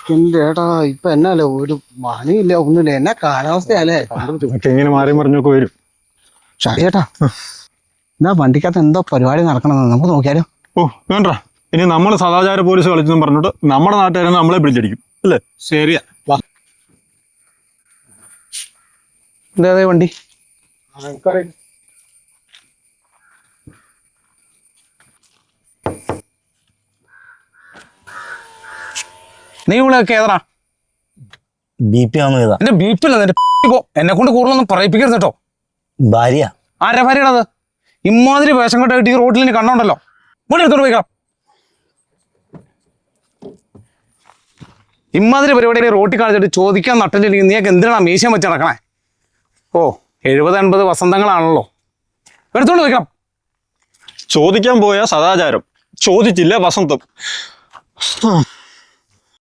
എന്റെ ഏട്ടാ ഇപ്പൊ എന്നല്ലേ ഒരു പണിയില്ല ഒന്നുമില്ല എന്നാ കാലാവസ്ഥയല്ലേ. ഇങ്ങനെ മാറി മറിഞ്ഞൊക്കെ വരും. ചേട്ടാ എന്നാ വണ്ടിക്കകത്ത് എന്തോ പരിപാടി നടക്കണമെന്ന് നമുക്ക് നോക്കിയാലോ? ഓ വേണ്ട, ഇനി നമ്മൾ സദാചാര പോലീസ് കളിച്ചെന്നും പറഞ്ഞിട്ട് നമ്മുടെ നാട്ടുകാരെ നമ്മളെ പിടിച്ചടിക്കും അല്ലേ? ശരിയാ, വാ. എന്താ വണ്ടി? നീ ഇവിടെയൊക്കെ ഏതാ? BP ആണോ? ഇതാ എന്റെ BP അല്ല, എന്റെ പോ. എന്നെ കൊണ്ട് കൂടുതലൊന്നും പറയിപ്പിക്കരുത് കേട്ടോ. ഭാര്യ. ആരാ ഭാര്യയാണത്? ഇമാതിരി വേഷം കെട്ടായിട്ട് ഈ റോഡിൽ ഇനി കണ്ടോണ്ടല്ലോ, ഇവിടെ എടുത്തോണ്ട് പോയിക്കാം. ഇമാതിരി പരിപാടി റോട്ടിൽ കാണിച്ചിട്ട് ചോദിക്കാൻ നട്ടില്ലെങ്കിൽ നീയൊക്കെ എന്തിനാണ് മീശം വെച്ച് നടക്കണേ? ഓ 70-80 വസന്തങ്ങളാണല്ലോ, എടുത്തോണ്ട് പോയിക്കാം. ചോദിക്കാൻ പോയ സദാചാരം, ചോദിച്ചില്ല വസന്തം.